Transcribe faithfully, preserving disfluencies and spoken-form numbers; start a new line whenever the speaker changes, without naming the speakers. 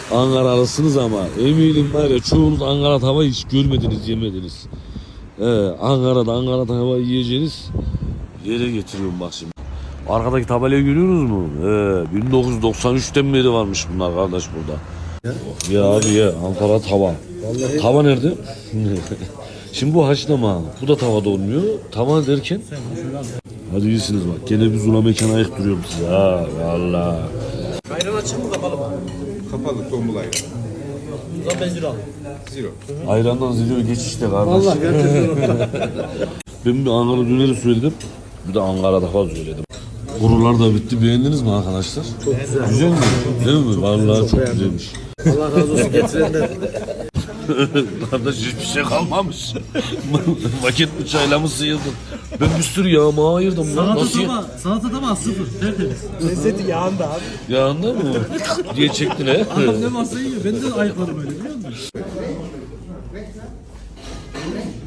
Ankaralısınız ama eminim var ya çoğunuz Ankara tava hiç görmediniz, yemediniz. Ee, Ankara'da Ankara tava yiyeceğiniz yere getiriyorum bak şimdi. Arkadaki tabelayı görüyorsunuz mu? Ee, bin dokuz yüz doksan üçten beri varmış bunlar kardeş burada. Ya, ya abi ya Ankara tava. Vallahi... Tava nerede? Şimdi bu haşlama. Bu da tavada olmuyor. Tava derken. Hadi iyisiniz bak. Gene bir zula mekana ayık duruyorum size ha. Valla.
Ayran açık mı kapalı mı?
Kapalı tombul ayran.
O zaman ben zero alayım.
Zero.
Ayrandan ziliyor geç işte kardeş.
Vallahi gerçekten.
Ben bir Ankara döneri söyledim. Bir de Ankara tava söyledim. Kurular da bitti. Beğendiniz mi arkadaşlar?
Çok güzel.
Güzel mi? Değil mi? Vallahi çok, çok güzelmiş.
Allah razı olsun getirenden.
Kardeş hiçbir şey kalmamış. Vakit bıçağıyla mı sıyırdın? Ben bir sürü yağma ayırdım.
Salata
Nasıl
taba, salata taba sıfır, tertemiz.
Lezzeti yağında abi.
Yağında mı? diye çektin he.
Adam ne varsa yiyor, ben de ayıkladım öyle biliyor musun?